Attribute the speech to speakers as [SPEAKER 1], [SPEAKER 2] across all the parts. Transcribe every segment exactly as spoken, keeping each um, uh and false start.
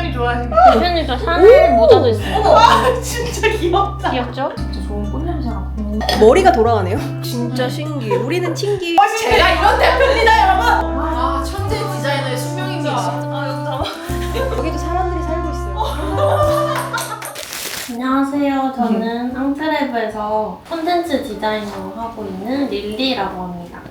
[SPEAKER 1] 대표님이 좋아하시는
[SPEAKER 2] 대표님 저 샤넬 모자도 있어요.
[SPEAKER 1] 어머, 아, 진짜 귀엽다.
[SPEAKER 2] 귀엽죠? 진짜 좋은 꽃냄새가.
[SPEAKER 3] 머리가 돌아가네요. 진짜 신기해. 우리는 튕기.
[SPEAKER 1] 제가 이런 대표입니다, 여러분. 아, 천재 디자이너의 숙명입니다.
[SPEAKER 2] 아 여기 다.
[SPEAKER 3] 여기도 사람들이 살고 있어요.
[SPEAKER 2] 안녕하세요. 저는 앙트레브에서 콘텐츠 디자이너 하고 있는 릴리라고 합니다.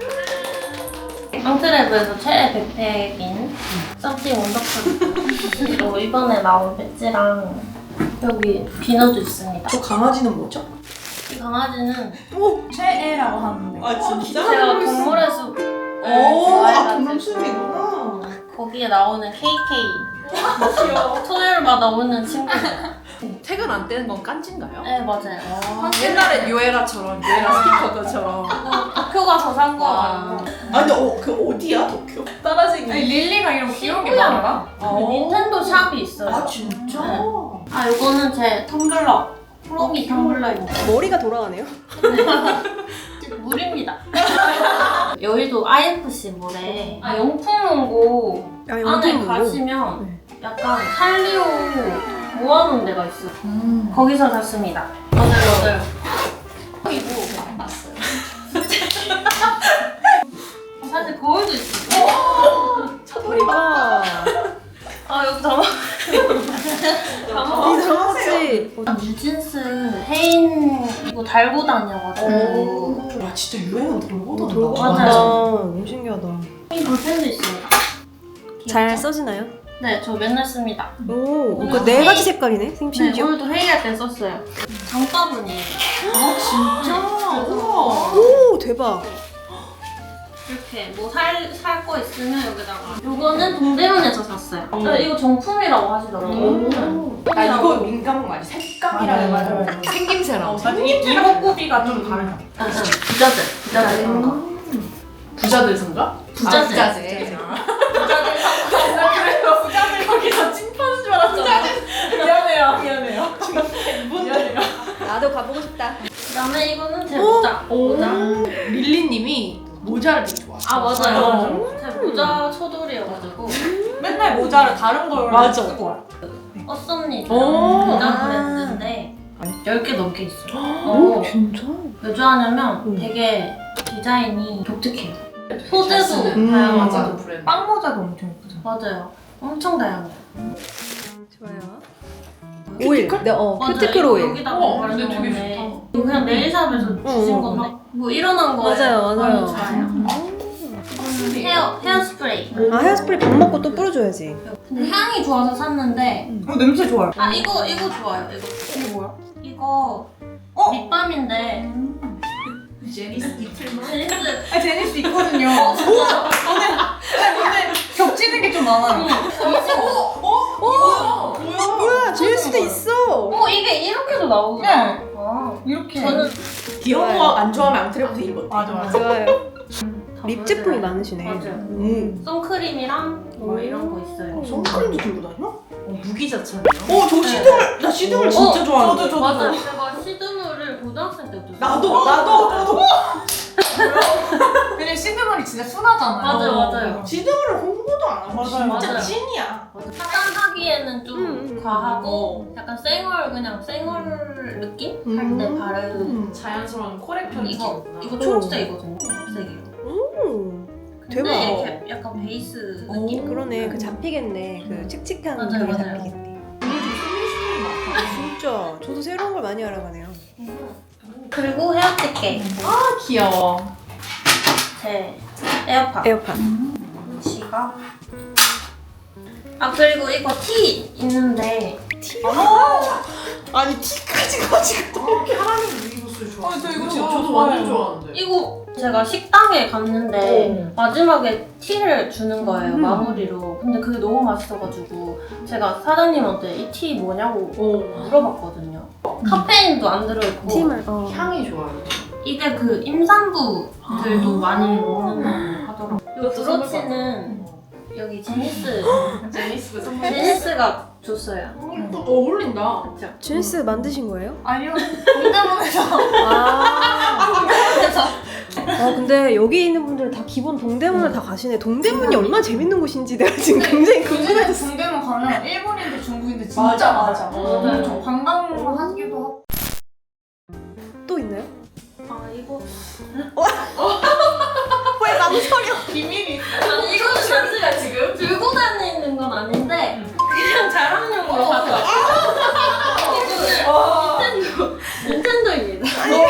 [SPEAKER 2] 앙트레브에서 최애 백팩인 썸띵 원더풀이고 이번에 나온 배지랑 여기 비너도 있습니다.
[SPEAKER 3] 저 강아지는 뭐죠?
[SPEAKER 2] 이 강아지는
[SPEAKER 1] 최애라고 하는데.
[SPEAKER 3] 아
[SPEAKER 2] 제가 동물의 숲
[SPEAKER 1] 오, 아, 동물숲이구나.
[SPEAKER 2] 거기에 나오는 케이케이
[SPEAKER 1] 귀여워.
[SPEAKER 2] 토요일마다 오는 친구들.
[SPEAKER 1] 퇴근 안 떼는 건 깐지인가요?
[SPEAKER 2] 네 맞아요.
[SPEAKER 1] 아, 옛날에 유에라처럼, 유에라 스티커들처럼.
[SPEAKER 2] 도쿄 가서 산 거
[SPEAKER 1] 와.
[SPEAKER 2] 아니고
[SPEAKER 1] 아, 근데 어, 그 어디야, 도쿄? 따라쟁이.
[SPEAKER 4] 아니 릴리가 이런 귀여운 게
[SPEAKER 2] 신기하다.
[SPEAKER 4] 많아?
[SPEAKER 2] 그 닌텐도 샵이 있어요.
[SPEAKER 1] 아, 진짜?
[SPEAKER 2] 네. 아 요거는 제 텀블러 프로미 텀블러입니다.
[SPEAKER 3] 머리가 돌아가네요.
[SPEAKER 2] 물입니다. 여의도 아이에프씨 몰에 아, 용품 원고
[SPEAKER 3] 아,
[SPEAKER 2] 안에
[SPEAKER 3] 용품
[SPEAKER 2] 가시면 약간 살리오 모아놓은 데가 있어요.
[SPEAKER 4] 음.
[SPEAKER 2] 거기서 샀습니다. 맞아요 맞아요. 그리고
[SPEAKER 1] 봤어요.
[SPEAKER 2] 사실 거울도 있어요.
[SPEAKER 3] 대박.
[SPEAKER 2] 아 여기 담아 담아
[SPEAKER 3] 이 장아찌.
[SPEAKER 2] 뉴진스 헤인 이거 달고 다녀가지고
[SPEAKER 1] 야, 진짜 유행은 돌고 돈다.
[SPEAKER 3] 돌고
[SPEAKER 2] 맞아요.
[SPEAKER 3] 간다. 너무 신기하다.
[SPEAKER 2] 이 볼펜도 있습니다.
[SPEAKER 3] 잘
[SPEAKER 2] 귀엽죠?
[SPEAKER 3] 써지나요?
[SPEAKER 2] 네, 저 맨날 씁니다.
[SPEAKER 3] 오,
[SPEAKER 2] 오늘
[SPEAKER 3] 그 네 가지
[SPEAKER 2] 회의-
[SPEAKER 3] 색깔이네.
[SPEAKER 2] 네,
[SPEAKER 3] 심지어.
[SPEAKER 2] 오늘도 회의할 때 썼어요. 장바구니에요.
[SPEAKER 1] 아, 진짜? 우와.
[SPEAKER 3] 오, 대박.
[SPEAKER 2] 이렇게 뭐 살 살 거 있으면 여기다가. 요거는 동대문에서 샀어요. 아, 이거 정품이라고 하시더라고요.
[SPEAKER 1] 음. 나 이거 민감한 거 아니야? 색감이라
[SPEAKER 4] 맞아요,
[SPEAKER 1] 해가지고.
[SPEAKER 4] 맞아요.
[SPEAKER 1] 생김새랑.
[SPEAKER 4] 이 이목구비가 좀 다르다.
[SPEAKER 2] 아, 부자들, 부자들 그런 거.
[SPEAKER 1] 부자들 선가?
[SPEAKER 2] 부자들.
[SPEAKER 1] 아, 부자재. 나 그래서 부자들 거기서 찐파는 줄 알았잖아. 미안해요, 미안해요. 미안해요.
[SPEAKER 3] 나도 가보고 싶다.
[SPEAKER 2] 그다음에 이거는 제 모자. 모자.
[SPEAKER 1] 릴리님이 모자를 되게 좋아해.
[SPEAKER 2] 아 맞아요.
[SPEAKER 1] 어.
[SPEAKER 2] 제 모자 초돌이어가지고
[SPEAKER 4] 맨날 모자를 다른 걸로
[SPEAKER 1] 맞아.
[SPEAKER 4] 쓰고 와요.
[SPEAKER 2] 어썸니
[SPEAKER 1] 오.
[SPEAKER 2] 모자
[SPEAKER 3] 아.
[SPEAKER 2] 브랜드인데 열 개 넘게 있어요. 어,
[SPEAKER 3] 진짜?
[SPEAKER 2] 왜 좋아하냐면
[SPEAKER 3] 음.
[SPEAKER 2] 되게 디자인이 독특해요. 소재도
[SPEAKER 1] 음,
[SPEAKER 2] 다양하고
[SPEAKER 1] 맞아, 브랜드.
[SPEAKER 4] 빵 모자도 엄청 예쁘죠.
[SPEAKER 2] 맞아요. 엄청 다양해요.
[SPEAKER 3] 좋아요. 오일. 네, 어,
[SPEAKER 2] 맞아요.
[SPEAKER 3] 큐티클
[SPEAKER 2] 이거
[SPEAKER 3] 오일.
[SPEAKER 2] 여기다가
[SPEAKER 1] 어,
[SPEAKER 2] 바르는
[SPEAKER 1] 근데 되게
[SPEAKER 2] 건데
[SPEAKER 1] 좋다.
[SPEAKER 2] 이거 그냥 네일샵에서 주신
[SPEAKER 3] 어,
[SPEAKER 2] 건데 뭐 일어난 거예요.
[SPEAKER 3] 맞아요, 맞아요.
[SPEAKER 2] 너무 좋아요. 헤어 헤어스프레이.
[SPEAKER 3] 아, 헤어스프레이 밥 먹고 또 뿌려줘야지.
[SPEAKER 2] 근데 향이 좋아서 샀는데
[SPEAKER 4] 어 냄새 좋아요.
[SPEAKER 2] 아 이거 이거 좋아요. 이거
[SPEAKER 4] 이게 뭐야?
[SPEAKER 2] 이거
[SPEAKER 4] 어?
[SPEAKER 2] 립밤인데
[SPEAKER 1] 제니스 이틀만.
[SPEAKER 2] 제니스
[SPEAKER 4] 아 제니스 있거든요.
[SPEAKER 2] 어 진짜요?
[SPEAKER 4] 근데 겹치는 게 좀 많아요.
[SPEAKER 1] 어?
[SPEAKER 3] 뭐야, 제니스도 있어.
[SPEAKER 2] 어 이게 이렇게도 나오구나.
[SPEAKER 4] 네.
[SPEAKER 2] 아,
[SPEAKER 4] 이렇게.
[SPEAKER 2] 저는
[SPEAKER 1] 귀여운 거 안 좋아하면 앙트레부터 입어.
[SPEAKER 4] 맞아 맞아.
[SPEAKER 3] 좋아요.
[SPEAKER 2] 다
[SPEAKER 3] 립 제품이
[SPEAKER 2] 발라요.
[SPEAKER 3] 많으시네.
[SPEAKER 2] 맞아요.
[SPEAKER 3] 음.
[SPEAKER 2] 선크림이랑 뭐 이런 거 있어요.
[SPEAKER 1] 선크림도 들고 다녀? 어, 무기자차네요.
[SPEAKER 4] 어, 저 시드물, 나 시드물 진짜
[SPEAKER 2] 어,
[SPEAKER 4] 좋아하는데.
[SPEAKER 2] 저도 맞아요. 제가 시드물을 고등학생 때부터
[SPEAKER 1] 나도,
[SPEAKER 2] 썼어요.
[SPEAKER 1] 나도, 나도.
[SPEAKER 4] 왜냐면 시드물이 진짜 순하잖아요.
[SPEAKER 2] 맞아요, 맞아요.
[SPEAKER 1] 지드물을 홍보도 안 하고
[SPEAKER 4] 맞아요,
[SPEAKER 1] 진짜
[SPEAKER 2] 맞아요.
[SPEAKER 1] 찐이야.
[SPEAKER 2] 화장하기에는 좀
[SPEAKER 3] 음, 음,
[SPEAKER 2] 과하고 약간 쌩얼 그냥 쌩얼 느낌
[SPEAKER 3] 음.
[SPEAKER 2] 할 때 바르는
[SPEAKER 1] 음, 자연스러운 코렉션
[SPEAKER 2] 이거
[SPEAKER 1] 느낌이구나.
[SPEAKER 2] 이거 초록색이거든요. 초록색이에요.
[SPEAKER 3] 오,
[SPEAKER 2] 근데
[SPEAKER 3] 대박.
[SPEAKER 2] 이렇게 약간 베이스 느낌.
[SPEAKER 3] 그러네. 그 잡히겠네. 그 칙칙한
[SPEAKER 2] 맞아요,
[SPEAKER 3] 그게
[SPEAKER 2] 맞아요.
[SPEAKER 3] 잡히겠네.
[SPEAKER 1] 이게 좀 소비스러운 것 같아.
[SPEAKER 3] 진짜. 저도 새로운 걸 많이 알아가네요.
[SPEAKER 2] 그리고 헤어티켓
[SPEAKER 1] 아, 귀여워.
[SPEAKER 2] 제 에어팟
[SPEAKER 3] 에어팟.
[SPEAKER 2] 지갑. 아 그리고 이거 티 있는데
[SPEAKER 1] 아니, 티까지 가지고 또 캐러멜 루이보스 좋아.
[SPEAKER 4] 어, 저 이거
[SPEAKER 1] 어,
[SPEAKER 4] 진짜
[SPEAKER 1] 저도 완전
[SPEAKER 4] 좋아해요.
[SPEAKER 1] 좋아하는데.
[SPEAKER 2] 이거 제가 식당에 갔는데
[SPEAKER 1] 어.
[SPEAKER 2] 마지막에 티를 주는 거예요.
[SPEAKER 3] 음.
[SPEAKER 2] 마무리로. 근데 그게 너무 맛있어가지고 제가 사장님한테 이 티 뭐냐고
[SPEAKER 1] 어.
[SPEAKER 2] 물어봤거든요. 카페인도 안 들어있고
[SPEAKER 3] 팀을. 어.
[SPEAKER 1] 향이 좋아요.
[SPEAKER 2] 이게 그 임산부들도 많이 먹는다고 하더라고요. 이
[SPEAKER 1] 이것도
[SPEAKER 2] 브로치는 여기 제니스
[SPEAKER 1] 제니스가 선물.
[SPEAKER 2] 제니스가 줬어요.
[SPEAKER 1] 또 어울린다.
[SPEAKER 2] 그렇죠?
[SPEAKER 3] 제니스 만드신 거예요?
[SPEAKER 4] 아니요. 동대문에서
[SPEAKER 3] 아.
[SPEAKER 2] 그래서
[SPEAKER 3] 아 근데 여기 있는 분들은 다 기본 동대문을 다 가시네. 동대문이 얼마나 재밌는 곳인지 내가 지금 굉장히 궁금해졌어.
[SPEAKER 4] 동대문 가면 일본인들, 중국인들 진짜
[SPEAKER 1] 맞아, 맞아.
[SPEAKER 2] 맞아요.
[SPEAKER 4] 저 관광으로 하기도 하고.
[SPEAKER 3] 또 있나요?
[SPEAKER 2] 아 이거
[SPEAKER 3] 왜 망설여?
[SPEAKER 4] 비밀이 있어.
[SPEAKER 2] 아니 이거는
[SPEAKER 1] 잠시만 지금.
[SPEAKER 2] 들고 다니는 건 아닌데 그냥 자랑용으로 가져왔어요.
[SPEAKER 1] 와.
[SPEAKER 2] 닌텐도 닌텐도입니다.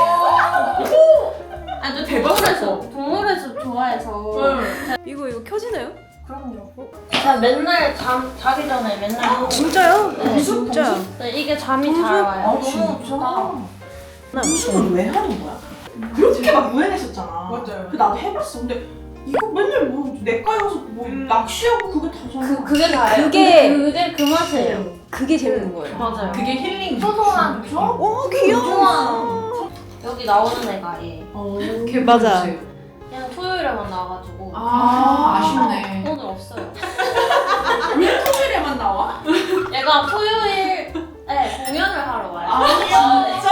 [SPEAKER 2] 아주
[SPEAKER 1] 대박이다.
[SPEAKER 2] 동물의 동물의 숲 좋아해서
[SPEAKER 3] 이거 이거 켜지나요?
[SPEAKER 2] 그럼요. 제가 맨날 잠 자기 전에 맨날 하고
[SPEAKER 3] 진짜요?
[SPEAKER 2] 네.
[SPEAKER 3] 진짜.
[SPEAKER 2] 네, 이게 잠이 잘
[SPEAKER 1] 아,
[SPEAKER 2] 와요.
[SPEAKER 1] 너무 좋다.
[SPEAKER 3] 나
[SPEAKER 1] 무슨 왜 하는 거야? 그렇게 막 유행했었잖아.
[SPEAKER 4] 맞아요.
[SPEAKER 1] 그 나도 해봤어. 근데 이거 맨날 뭐 내과여서 뭐
[SPEAKER 4] 음.
[SPEAKER 1] 낚시하고 그게 다잖아.
[SPEAKER 3] 그 그게
[SPEAKER 2] 그게
[SPEAKER 3] 그게
[SPEAKER 2] 그게 그 맛이에요.
[SPEAKER 3] 그게 재밌는 거예요.
[SPEAKER 2] 맞아요.
[SPEAKER 1] 그게 힐링.
[SPEAKER 2] 소소한
[SPEAKER 1] 그죠?
[SPEAKER 3] 오 귀여워.
[SPEAKER 2] 여기 나오는 애가 얘.
[SPEAKER 1] 어,
[SPEAKER 3] 맞아.
[SPEAKER 2] 그냥 토요일에만 나와가지고
[SPEAKER 1] 아, 아쉽네.
[SPEAKER 2] 오늘 없어요.
[SPEAKER 1] 왜 토요일에만 나와?
[SPEAKER 2] 얘가 토요일에 공연을 하러 와요.
[SPEAKER 1] 아, 진짜?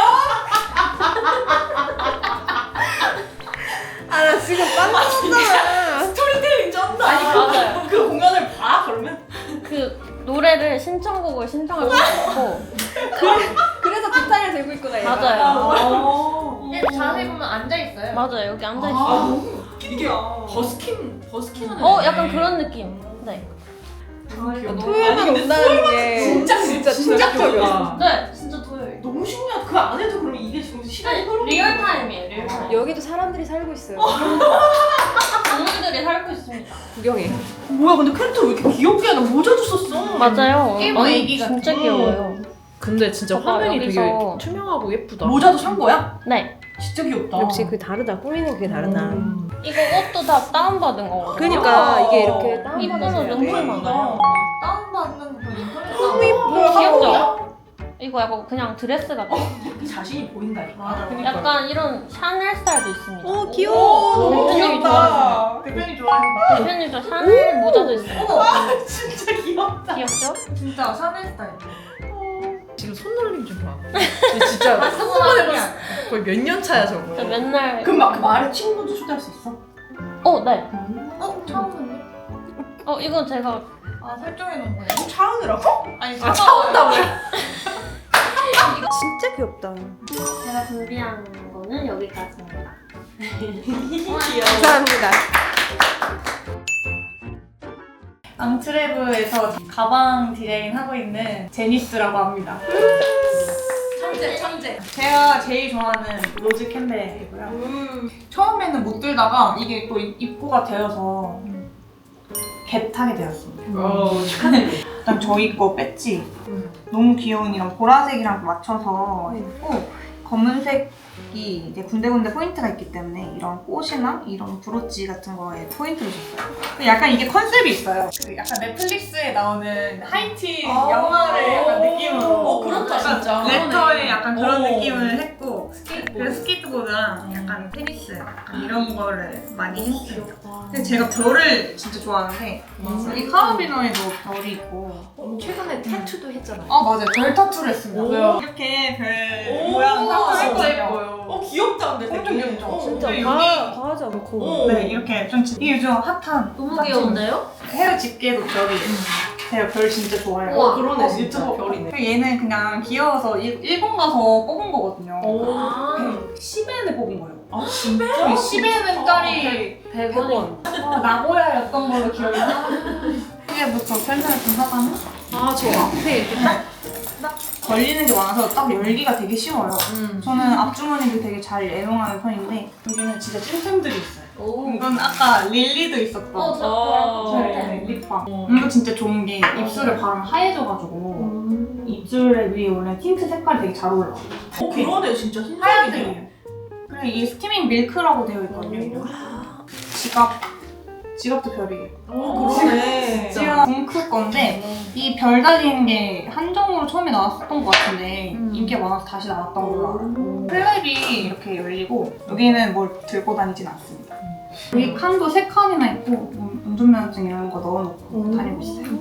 [SPEAKER 3] 아 나 지금 빵 터졌잖아.
[SPEAKER 1] 스토리텔링 쩐다. 아니,
[SPEAKER 2] 맞아요.
[SPEAKER 1] 그, 그 공연을 봐, 그러면?
[SPEAKER 2] 그 노래를 신청곡을 신청할 수 있고
[SPEAKER 3] 그래서 기타를 들고 있구나 얘가.
[SPEAKER 2] 맞아요.
[SPEAKER 1] 어.
[SPEAKER 4] 자세히 보면 앉아있어요.
[SPEAKER 2] 맞아요. 여기 앉아
[SPEAKER 1] 아,
[SPEAKER 2] 있어요.
[SPEAKER 1] 너무 이게 버스킹, 버스킹 하는
[SPEAKER 2] 어,
[SPEAKER 1] 애네.
[SPEAKER 2] 약간 그런 느낌. 네.
[SPEAKER 3] 토요일만
[SPEAKER 1] 아니, 근데
[SPEAKER 3] 온다는 게
[SPEAKER 1] 진짜, 진짜, 진짜
[SPEAKER 3] 충격적이었어.
[SPEAKER 2] 네, 진짜 토요일.
[SPEAKER 1] 너무 신기하다. 그 안에도 그러면 이게 지금 시간이 흐르고
[SPEAKER 2] 리얼 타임이에요. 리얼 타임.
[SPEAKER 3] 여기도 사람들이 살고 있어요.
[SPEAKER 2] 동물들이 살고 있습니다.
[SPEAKER 3] 구경해.
[SPEAKER 1] 뭐야, 근데 캐릭터 왜 이렇게 귀엽게 하나 모자도 썼어.
[SPEAKER 2] 맞아요.
[SPEAKER 4] 일본
[SPEAKER 2] 아니,
[SPEAKER 4] 애기 같은
[SPEAKER 2] 진짜
[SPEAKER 1] 거.
[SPEAKER 2] 귀여워요.
[SPEAKER 5] 근데 진짜
[SPEAKER 2] 봐봐,
[SPEAKER 5] 화면이
[SPEAKER 2] 여기서-
[SPEAKER 5] 되게 투명하고 예쁘다.
[SPEAKER 1] 모자도 산 거야?
[SPEAKER 2] 네.
[SPEAKER 1] 진짜 귀엽다.
[SPEAKER 3] 역시 그 다르다. 꾸미는 그게 다르다.
[SPEAKER 1] 음.
[SPEAKER 2] 이거 옷도 다 다운받은 거거든요.
[SPEAKER 3] 그러니까 이게
[SPEAKER 1] 어.
[SPEAKER 3] 이렇게 다운받아서
[SPEAKER 2] 이쁘죠?
[SPEAKER 3] 해야
[SPEAKER 2] 너무
[SPEAKER 3] 돼.
[SPEAKER 2] 많아요.
[SPEAKER 4] 다운받는 거 인터넷
[SPEAKER 3] 너무
[SPEAKER 1] 뭐야,
[SPEAKER 2] 귀엽죠? 이거 약간 그냥 드레스 같아.
[SPEAKER 1] 그 자신이 보인다니까.
[SPEAKER 4] 맞아.
[SPEAKER 1] 그러니까.
[SPEAKER 2] 약간 이런 샤넬 스타일도 있습니다.
[SPEAKER 3] 오 귀여워.
[SPEAKER 1] 너무
[SPEAKER 2] 대표님이
[SPEAKER 1] 귀엽다.
[SPEAKER 4] 대표님 좋아하시는
[SPEAKER 2] 대표님 저 샤넬 모자도 있어요.
[SPEAKER 1] 아, 진짜 귀엽다.
[SPEAKER 2] 귀엽죠?
[SPEAKER 4] 진짜 샤넬 스타일.
[SPEAKER 5] 지금 손놀림 좀 봐. 근데 진짜 거의 몇 년 차야 저거.
[SPEAKER 2] 저 맨날
[SPEAKER 1] 그럼 막 그 말에 친구도 초대할 수 있어?
[SPEAKER 2] 어, 네.
[SPEAKER 4] 어? 처음 듣네?
[SPEAKER 2] 어, 이건 제가
[SPEAKER 4] 아 설정해놓은 거예요?
[SPEAKER 1] 차은우라고?
[SPEAKER 4] 아니
[SPEAKER 1] 아, 차은다고.
[SPEAKER 3] 진짜 귀엽다.
[SPEAKER 2] 제가 준비한 거는 여기까지입니다.
[SPEAKER 3] 감사합니다.
[SPEAKER 4] 앙트레브에서 가방 디자인 하고 있는 제니스라고 합니다.
[SPEAKER 1] 천재, 천재.
[SPEAKER 4] 제가 제일 좋아하는 로즈 캠벨이고요.
[SPEAKER 1] 음.
[SPEAKER 4] 처음에는 못 들다가 이게 또 입고가 되어서 겟하게 되었습니다.
[SPEAKER 1] 어, 축하드립니다.
[SPEAKER 4] 일단 저희 거 배지 너무 귀여운 이런 보라색이랑 맞춰서 했고 검은색이 이제 군데군데 포인트가 있기 때문에 이런 꽃이나 이런 브로치 같은 거에 포인트를 줬어요. 근데 약간 이게 컨셉이 있어요. 그 약간 넷플릭스에 나오는 하이틴
[SPEAKER 1] 아.
[SPEAKER 4] 영화를 약간 느낌으로
[SPEAKER 1] 어, 그렇다,
[SPEAKER 4] 약간
[SPEAKER 1] 진짜.
[SPEAKER 4] 랩터에 약간 그런
[SPEAKER 1] 어.
[SPEAKER 4] 느낌을 했고 스케이트, 그래서 스케이트보드랑 약간 테니스 약간 이런 거를 많이 했어요. 근데 제가 별을 진짜 좋아하는데 이 카라비너에도 별이 있고
[SPEAKER 5] 최근에 타투도 했잖아요.
[SPEAKER 4] 아 맞아요 별 타투를 했습니다.
[SPEAKER 1] 오.
[SPEAKER 4] 이렇게 별
[SPEAKER 1] 오,
[SPEAKER 4] 모양 타투
[SPEAKER 1] 진짜
[SPEAKER 4] 했거든요.
[SPEAKER 1] 어, 귀엽다, 근데
[SPEAKER 4] 엄청
[SPEAKER 1] 되게.
[SPEAKER 4] 귀엽죠?
[SPEAKER 1] 어,
[SPEAKER 3] 진짜
[SPEAKER 4] 근데
[SPEAKER 3] 과, 과하지 않고.
[SPEAKER 1] 어.
[SPEAKER 4] 네 이렇게 좀 지- 이게 요즘 핫한
[SPEAKER 2] 너무 귀여운데요?
[SPEAKER 4] 헤어 집게도 별이 제가 별 진짜 좋아해요.
[SPEAKER 2] 우와.
[SPEAKER 1] 그러네, 진짜 별이네.
[SPEAKER 4] 그리고 얘는 그냥 귀여워서 일- 일본 가서 뽑은 거거든요.
[SPEAKER 2] 아,
[SPEAKER 4] 십 엔에 뽑은 거예요.
[SPEAKER 1] 아, 진짜?
[SPEAKER 4] 십 엔짜리
[SPEAKER 2] 백 원.
[SPEAKER 4] 나고야였던 걸로 기억이 나. 이제부터 펜션을 좀 하다는
[SPEAKER 5] 아, 저 앞에 이렇게 딱.
[SPEAKER 4] 걸리는 게 많아서 딱 열기가 되게 쉬워요.
[SPEAKER 5] 음.
[SPEAKER 4] 저는 앞주머니도 되게 잘 애용하는 편인데 여기는 진짜 찐템들이 있어요.
[SPEAKER 2] 오.
[SPEAKER 4] 이건 아까 릴리도 있었던
[SPEAKER 2] 어, 저
[SPEAKER 1] 어.
[SPEAKER 2] 그런
[SPEAKER 4] 네,
[SPEAKER 2] 거
[SPEAKER 4] 네, 립밤.
[SPEAKER 1] 어.
[SPEAKER 4] 이거 진짜 좋은 게 입술에 바르면 하얘져가지고 입술에 위에 원래 틴트 색깔이 되게 잘 올라와요.
[SPEAKER 1] 어, 그러네, 진짜 흰색이네.
[SPEAKER 4] 하얀색이에요. 그리고 이게 스티밍 밀크라고 되어 있거든요. 지갑. 지갑도 별이에요.
[SPEAKER 1] 어, 그러네.
[SPEAKER 4] 지갑 뭉클 건데 이 별 달린 게 한정으로 처음에 나왔었던 것 같은데
[SPEAKER 5] 음.
[SPEAKER 4] 인기가 많아서 다시 나왔던 걸로 알아요. 플랩이 이렇게 열리고 여기는 뭘 들고 다니진 않습니다. 여기 칸도 세 칸이나 있고 운- 운전면허증 이런 거 넣어놓고 다니고 있어요.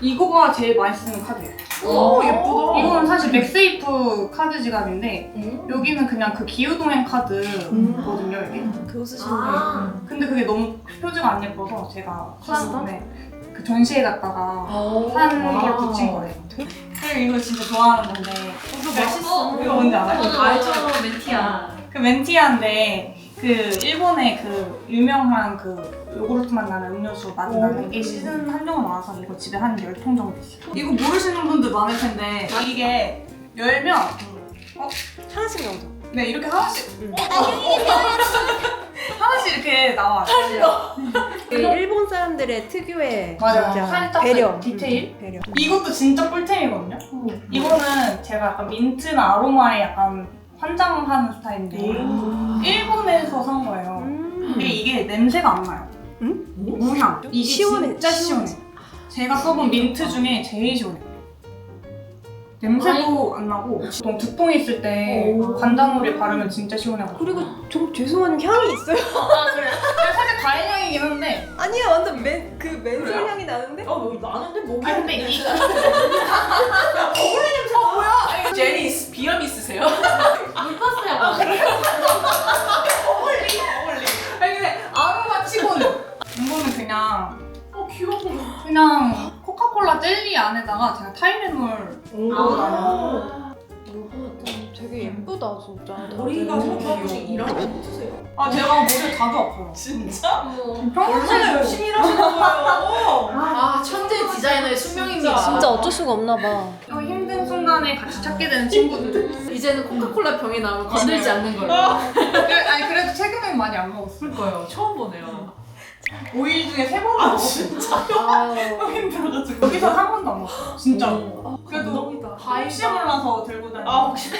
[SPEAKER 4] 이거가 제일 많이 쓰는 카드예요.
[SPEAKER 5] 오 예쁘다.
[SPEAKER 4] 이거는 사실 맥세이프 카드 지갑인데
[SPEAKER 5] 음.
[SPEAKER 4] 여기는 그냥 그 기후동행 카드거든요, 이게.
[SPEAKER 3] 그거 쓰시는 거예요?
[SPEAKER 2] 아.
[SPEAKER 4] 근데 그게 너무 표지가 안 예뻐서 제가 샀는데 그 전시회 갔다가
[SPEAKER 5] 오.
[SPEAKER 4] 산 걸
[SPEAKER 5] 와.
[SPEAKER 4] 붙인 거예요. 그리고 이거 진짜 좋아하는 건데
[SPEAKER 5] 이거 멋있어.
[SPEAKER 4] 이거 뭔지 알아요?
[SPEAKER 2] 저는
[SPEAKER 1] 알죠,
[SPEAKER 2] 알죠.
[SPEAKER 1] 멘티아.
[SPEAKER 4] 그 멘티아인데 그 일본의 그 유명한 그 요구르트맛 나는 음료수 맛 나는 게 시즌 한정으로 나와서 이거 집에 한 열 통 정도 있어요. 이거 모르시는 분들 많을 텐데 이게 열면
[SPEAKER 3] 하나씩 나오죠?
[SPEAKER 4] 네 이렇게 하나씩
[SPEAKER 3] 응.
[SPEAKER 4] 하나씩 이렇게 나와요.
[SPEAKER 3] 그 일본 사람들의 특유의
[SPEAKER 4] 맞아요.
[SPEAKER 3] 진짜
[SPEAKER 4] 살짝
[SPEAKER 3] 배려.
[SPEAKER 4] 그 디테일?
[SPEAKER 3] 음, 배려.
[SPEAKER 4] 이것도 진짜 꿀템이거든요. 이거는 제가 약간 민트나 아로마에 약간 환장하는 스타일인데 일본에서 산 거예요.
[SPEAKER 3] 음.
[SPEAKER 4] 근데 이게 냄새가 안 나요.
[SPEAKER 3] 응?
[SPEAKER 4] 무향. 이게
[SPEAKER 3] 시원해,
[SPEAKER 4] 진짜 시원해.
[SPEAKER 3] 시원해.
[SPEAKER 4] 제가 써본 민트 중에 제일 시원해. 냄새도 안 나고 보통 두통 있을 때 관자놀이 바르면 진짜 시원해요.
[SPEAKER 3] 그리고 좀 죄송한 향이 있어요.
[SPEAKER 2] 아 그래?
[SPEAKER 4] 살짝 과일 향이긴 한데
[SPEAKER 3] 아니야, 완전 맨, 그 맨솔 향이 나는데?
[SPEAKER 1] 어, 뭐 나는데 목이.
[SPEAKER 4] 아 근데 이
[SPEAKER 1] 제니스 비염 있으세요?
[SPEAKER 2] 물파스야.
[SPEAKER 4] 아니 근데 아로마 치고는 이거는 그냥
[SPEAKER 1] 어 귀여워.
[SPEAKER 4] 그냥 코카콜라 젤리 안에다가 제가 타이레놀 넣고 다녀요.
[SPEAKER 3] 되게 예쁘다, 진짜.
[SPEAKER 1] 머리가
[SPEAKER 3] 다들.
[SPEAKER 1] 성격이 일하는 거 쓰세요?
[SPEAKER 4] 아 제가 머리 자주 아파요.
[SPEAKER 1] 진짜?
[SPEAKER 2] 뭐.
[SPEAKER 1] 얼마나 열심히 일하시는 거예요? 아 천재 디자이너의 숙명입니다.
[SPEAKER 3] 진짜 어쩔 수가 없나 봐.
[SPEAKER 4] 어, 힘든 순간에 같이 찾게 되는 친구들.
[SPEAKER 1] 이제는 코카콜라 병에 나오면 건들지 않는 걸로.
[SPEAKER 4] 그래, 아니 그래도 최근엔 많이 안 먹었어요.
[SPEAKER 1] 그러니까요. 처음 보네요.
[SPEAKER 4] 오 일 중에 세 번은
[SPEAKER 1] 아
[SPEAKER 4] 먹었어요.
[SPEAKER 1] 진짜?
[SPEAKER 3] 아유.
[SPEAKER 4] 너무 힘들어가지고 여기서 한 번도 안 먹었어요. 진짜.
[SPEAKER 1] 어,
[SPEAKER 4] 그래도
[SPEAKER 1] 감동이다.
[SPEAKER 4] 혹시 몰라서 들고 다니고.
[SPEAKER 1] 아 혹시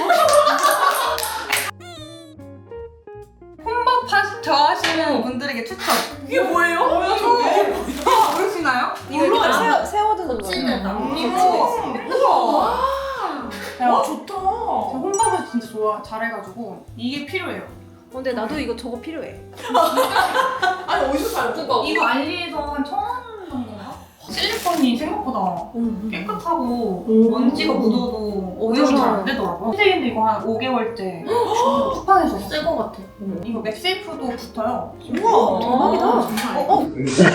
[SPEAKER 4] 혼밥 파- 좋아하시는 분들에게 추천.
[SPEAKER 1] 이게 뭐예요? 뭐야
[SPEAKER 4] 이거 모르시나요?
[SPEAKER 3] 이거 이렇게 세워, 세워두는 거야.
[SPEAKER 2] 찌는다.
[SPEAKER 4] 이거
[SPEAKER 1] 와
[SPEAKER 4] 제가
[SPEAKER 1] 좋다.
[SPEAKER 4] 혼밥을 진짜 좋아 잘해가지고 이게 필요해요.
[SPEAKER 3] 근데 나도 이거 저거 필요해.
[SPEAKER 1] 아니 어디서 사요? 그거
[SPEAKER 4] 이거 알리에서 한 천 원 정도인가? 실리콘이 생각보다 깨끗하고 먼지가 묻어도 오염이 잘 안 되더라고요. 선생님도 이거 한 오 개월째 쿠팡에서 샀어요.
[SPEAKER 2] 새거 같아.
[SPEAKER 4] 이거 맥세이프도 붙어요.
[SPEAKER 1] 우와
[SPEAKER 3] 대박이다.
[SPEAKER 1] 어, 어?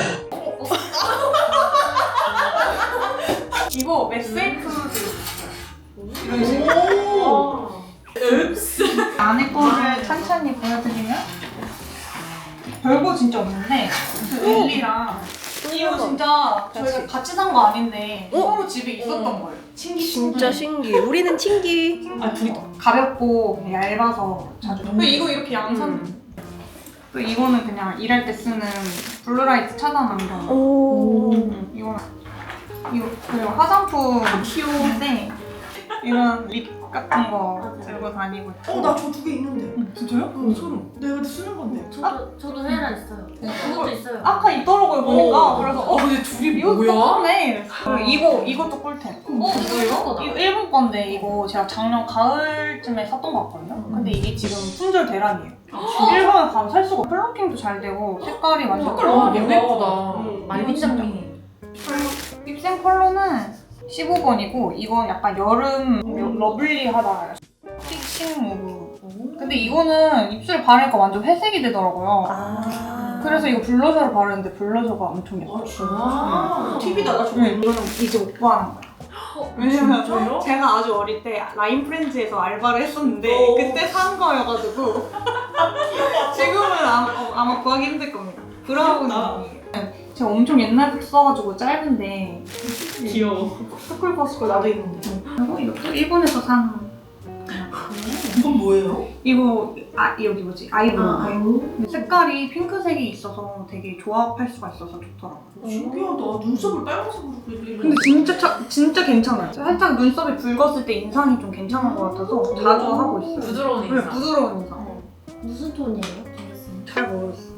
[SPEAKER 4] 이거 맥세이프도 이런 식으로
[SPEAKER 1] 오. 읍스.
[SPEAKER 4] 안에 거를 천천히 보여드리면 별거 진짜 없는데 그 릴리랑 이거 진짜 저희가 같이 산 거 아닌데
[SPEAKER 3] 어?
[SPEAKER 4] 서로 집에 있었던 거예요.
[SPEAKER 3] 진짜 신기해. 우리는 친기.
[SPEAKER 4] 아 둘이 가볍고 그냥 얇아서 자주. 음. 이거 이렇게 양산. 또 이거는 그냥 일할 때 쓰는 블루라이트 차단 안경.
[SPEAKER 3] 오.
[SPEAKER 4] 음, 이거 이거 그리고 화장품 귀여운데 이런 립 같은 거 들고 다니고.
[SPEAKER 1] 어나 저 두 개 있는데.
[SPEAKER 4] 음, 진짜요?
[SPEAKER 1] 어 소름. 내가 근데 쓰는 건데.
[SPEAKER 2] 저도 저도 헤라 있어요. 그것도 있어요.
[SPEAKER 4] 아까 있더라고요 보니까. 그래서 어
[SPEAKER 1] 근데 둘이
[SPEAKER 4] 이거
[SPEAKER 1] 뭐야?
[SPEAKER 4] 똑같네. 그리고 이거 이것도 꿀템.
[SPEAKER 2] 어 이거 이런 거다.
[SPEAKER 4] 이거 일본 건데 이거 제가 작년 가을쯤에 샀던 거 같거든요. 근데 이게 지금 품절 대란이에요. 일본에 가면 살 수가 없어. 플러팅도 잘 되고 색깔이 완전
[SPEAKER 1] 색깔 너무
[SPEAKER 4] 컬러예요.
[SPEAKER 1] 예쁘다.
[SPEAKER 4] 음.
[SPEAKER 1] 말민장미.
[SPEAKER 4] 립싱 컬러는 십오 번이고 이건 약간 여름 러블리하다. 픽싱 무브. 근데 이거는 입술에 바르니까 완전 회색이 되더라고요.
[SPEAKER 3] 아.
[SPEAKER 4] 그래서 이거 블러셔를 바르는데 블러셔가 엄청 예뻐요.
[SPEAKER 1] 아 팁이다 나 저거.
[SPEAKER 4] 응, 이거는 이제 오빠 하는 거야. 왜냐면
[SPEAKER 1] 진짜요?
[SPEAKER 4] 제가 아주 어릴 때 라인 프렌즈에서 알바를 했었는데
[SPEAKER 1] 오.
[SPEAKER 4] 그때 산 거여가지고 지금은 아마, 어, 아마 구하기 힘들 겁니다. 브라운이에요. 제가 엄청 옛날부터 써가지고 짧은데
[SPEAKER 1] 귀여워.
[SPEAKER 4] 스쿨버스쿨 나도 있는데 그리고 이것도 일본에서 산
[SPEAKER 1] 이건 뭐예요?
[SPEAKER 4] 이거 아 여기 뭐지 아이브로우
[SPEAKER 1] 아.
[SPEAKER 4] 근데 색깔이 핑크색이 있어서 되게 조합할 수가 있어서 좋더라고요.
[SPEAKER 1] 신기하다. 눈썹을 빨간색으로 그리고.
[SPEAKER 4] 근데 진짜 차, 진짜 괜찮아요. 살짝 눈썹이 붉었을 때 인상이 좀 괜찮은 것 같아서 자주 하고 있어요.
[SPEAKER 1] 부드러운
[SPEAKER 4] 네,
[SPEAKER 1] 인상.
[SPEAKER 4] 부드러운 인상.
[SPEAKER 2] 무슨 톤이에요?
[SPEAKER 4] 잘 모르겠어.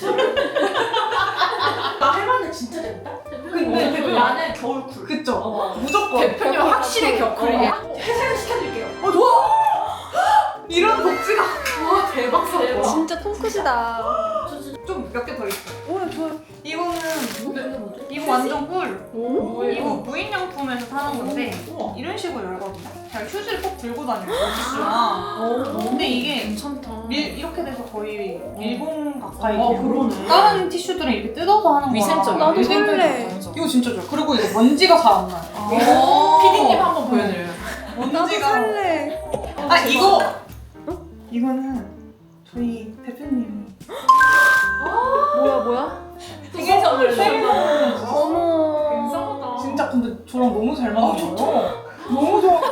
[SPEAKER 1] 나 해봤는데 진짜 재밌다.
[SPEAKER 4] 근데
[SPEAKER 1] 대표님 안에 겨울쿨.
[SPEAKER 4] 그쵸?
[SPEAKER 1] 어.
[SPEAKER 4] 무조건.
[SPEAKER 1] 대표님 확실히 겨울쿨이야.
[SPEAKER 2] 어.
[SPEAKER 1] 회사를 시켜드릴게요.
[SPEAKER 4] 어, 좋아! 이런 복지가
[SPEAKER 1] 와 대박 사건.
[SPEAKER 3] 진짜 통크시다.
[SPEAKER 4] 좀 몇 개 더 있어요.
[SPEAKER 3] 오, 좋아요.
[SPEAKER 4] 이거는
[SPEAKER 2] 이게 뭐지?
[SPEAKER 4] 이거 완전 꿀.
[SPEAKER 5] 오,
[SPEAKER 4] 이거 무인양품에서 사는 건데
[SPEAKER 5] 우와.
[SPEAKER 4] 이런 식으로 열거든요. 제가 휴지를 꼭 들고 다녀요. 티슈랑. 근데 이게
[SPEAKER 5] 괜찮다.
[SPEAKER 4] 밀, 이렇게 돼서 거의 밀봉 가까이
[SPEAKER 5] 어,
[SPEAKER 4] 돼요.
[SPEAKER 5] 그러네.
[SPEAKER 4] 다른 티슈들은 이렇게 뜯어서 하는 거라
[SPEAKER 5] 위생적이야.
[SPEAKER 3] 나도
[SPEAKER 4] 위생적이야.
[SPEAKER 3] 설레.
[SPEAKER 4] 이거 진짜 좋아. 그리고 이거 먼지가 잘 안 나요.
[SPEAKER 5] 오. 피디님 한번 보여드려요.
[SPEAKER 3] 나도
[SPEAKER 4] 먼지가.
[SPEAKER 3] 살래.
[SPEAKER 4] 아 이거. 이거는 저희 대표님이
[SPEAKER 3] 뭐야 뭐야?
[SPEAKER 5] 생일 선물
[SPEAKER 4] 생일
[SPEAKER 3] 어머.
[SPEAKER 5] 괜찮다.
[SPEAKER 4] 진짜 근데 저랑 너무 잘 맞는 거예요. 너무 좋아.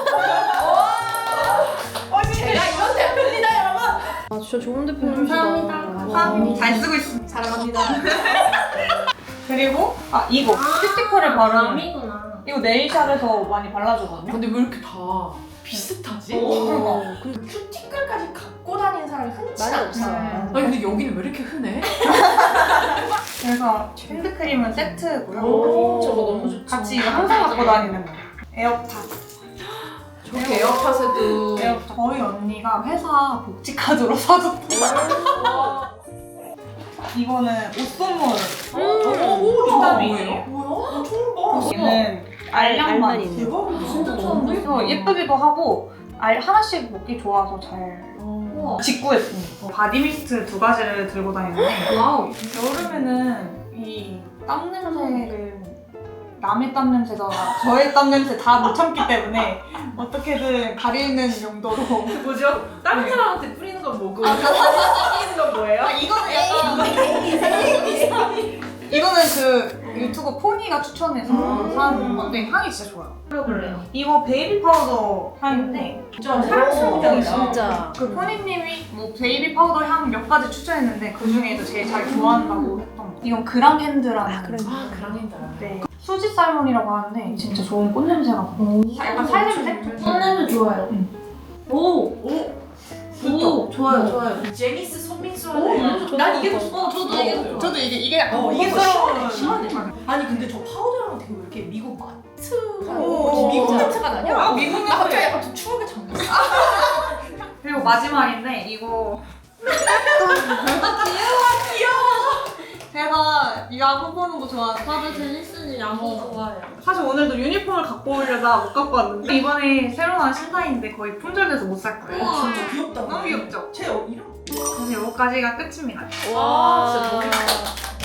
[SPEAKER 4] 어 진짜.
[SPEAKER 5] 제가 이런 대표입니다, 여러분.
[SPEAKER 3] 아 진짜 좋은 대표님이시다.
[SPEAKER 2] 감사합니다.
[SPEAKER 4] 감사합니다. 잘 쓰고 있습니다.
[SPEAKER 5] 사랑합니다.
[SPEAKER 4] 그리고 아 이거 스티커를 바르는
[SPEAKER 2] 남이구나.
[SPEAKER 4] 이거 네일샵에서 많이 발라주거든요.
[SPEAKER 5] 근데 왜 이렇게 다 비슷하지?
[SPEAKER 3] 어, 근데
[SPEAKER 5] 큐티클까지 갖고 다니는 사람이 흔치
[SPEAKER 3] 많이
[SPEAKER 5] 않아.
[SPEAKER 3] 없어.
[SPEAKER 4] 음.
[SPEAKER 5] 아니 근데 여기는 왜 이렇게 흔해?
[SPEAKER 4] 그래서 핸드크림은 세트고요.
[SPEAKER 5] 오, 저거 너무 좋죠.
[SPEAKER 4] 같이 이거 항상 갖고 다니는 거. 에어팟.
[SPEAKER 5] 저렇게 에어팟에도
[SPEAKER 4] 에어팟. 저희 언니가 회사 복지 카드로 사줬던 거. 이거는 옷 선물.
[SPEAKER 5] 오,
[SPEAKER 4] 정답이에요.
[SPEAKER 5] 뭐야? 나 처음 봐.
[SPEAKER 4] 얘는 알량만.
[SPEAKER 3] 알만 있는.
[SPEAKER 5] 대박이다.
[SPEAKER 2] 진짜 처음인데?
[SPEAKER 4] 그래서 예쁘기도 하고 알 하나씩 먹기 좋아서 잘
[SPEAKER 2] 우와.
[SPEAKER 4] 직구했습니다. 바디미스트 두 가지를 들고 다니는데
[SPEAKER 2] 와우.
[SPEAKER 4] 여름에는 이 땀 냄새를 남의 땀 냄새가 저의 땀 냄새 다 못 참기 때문에 어떻게든 가리는 용도로
[SPEAKER 5] 뭐죠? 다른
[SPEAKER 4] 네.
[SPEAKER 5] 사람한테 뿌리는 건 뭐고 뿌리는 건 뭐예요?
[SPEAKER 4] 아, 이거는 약간 이거는 그 유튜브 포니가 추천해서
[SPEAKER 5] 음.
[SPEAKER 4] 산 건데 향이 진짜 좋아요.
[SPEAKER 2] 그래요.
[SPEAKER 4] 이거 베이비 파우더 향인데
[SPEAKER 5] 진짜 사랑스러운 향이다.
[SPEAKER 3] 진짜.
[SPEAKER 4] 그 포니님이 뭐 베이비 파우더 향 몇 가지 추천했는데 그 중에도 제일 잘 좋아한다고 했던 거. 이건 그랑 핸드라는
[SPEAKER 3] 아, 그래.
[SPEAKER 5] 아, 그랑이다.
[SPEAKER 4] 네. 수지 살몬이라고 하는데 진짜 좋은 꽃 냄새가 나요. 약간 살냄새?
[SPEAKER 2] 꽃냄새 좋아요.
[SPEAKER 4] 응.
[SPEAKER 2] 오.
[SPEAKER 5] 오!
[SPEAKER 2] 오. 좋아요, 좋아요.
[SPEAKER 5] 제니스 손민수
[SPEAKER 3] 오,
[SPEAKER 5] 하네. 난 이게 더 좋아.
[SPEAKER 2] 어, 저도 이게 더 좋아.
[SPEAKER 4] 저도 이게 이게 약간
[SPEAKER 5] 어, 이게 더
[SPEAKER 4] 고급스러운
[SPEAKER 5] 시원해, 시원해. 아니 근데 저 파우더랑 되게 왜 이렇게 미국 마트
[SPEAKER 4] 오,
[SPEAKER 5] 미국
[SPEAKER 3] 진짜.
[SPEAKER 5] 냄새가 나냐?
[SPEAKER 4] 아, 미국
[SPEAKER 5] 나 갑자기
[SPEAKER 4] 냄새.
[SPEAKER 5] 약간 좀 추억에 잠겼어.
[SPEAKER 4] 그리고 마지막인데 이거 제가 야구 보는 거 좋아하는
[SPEAKER 2] 다들 제니스는 야구 좋아해요.
[SPEAKER 4] 사실 오늘도 유니폼을 갖고 오려다 못 갖고 왔는데 이번에 새로 나온 신사인데 거의 품절돼서 못 살 거예요.
[SPEAKER 5] 진짜 귀엽다.
[SPEAKER 4] 너무 귀엽죠?
[SPEAKER 5] 제 이름.
[SPEAKER 4] 그래서 이거까지가 끝입니다.
[SPEAKER 3] 와.
[SPEAKER 5] 진짜 너무